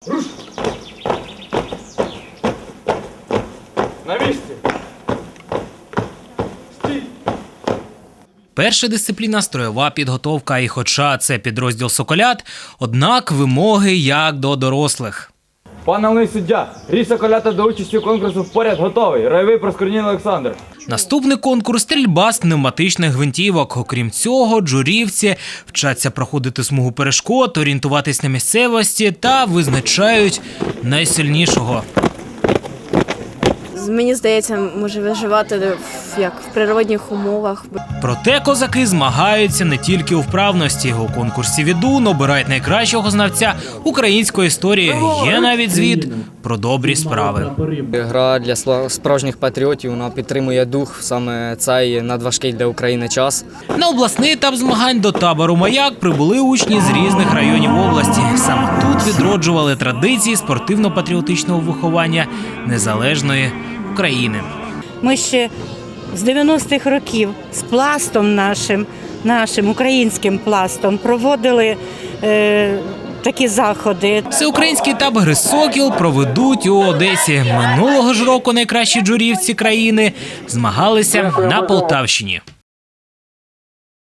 На місці! Стій! Перша дисципліна – строєва підготовка. І хоча це підрозділ «Соколят», однак вимоги як до дорослих. Пан головний суддя, рій «Соколята» до участі у конкурсу поряд готовий. Ройовий Проскурнін Олександр. Наступний конкурс – стрільба з пневматичних гвинтівок. Окрім цього, джурівці вчаться проходити смугу перешкод, орієнтуватись на місцевості та визначають найсильнішого. Мені здається, може виживати як в природних умовах. Проте козаки змагаються не тільки у вправності. У конкурсі «Відун» обирають найкращого знавця української історії. Є навіть звіт про добрі справи. Гра для справжніх патріотів, вона підтримує дух саме цей надважкий для України час. На обласний етап змагань до табору «Маяк» прибули учні з різних районів області. Саме тут відроджували традиції спортивно-патріотичного виховання незалежної України. Ми ще з 90-х років з пластом нашим українським пластом проводили такі заходи. Всеукраїнський етап гри «Сокіл» проведуть у Одесі. Минулого ж року найкращі джурівці країни змагалися на Полтавщині.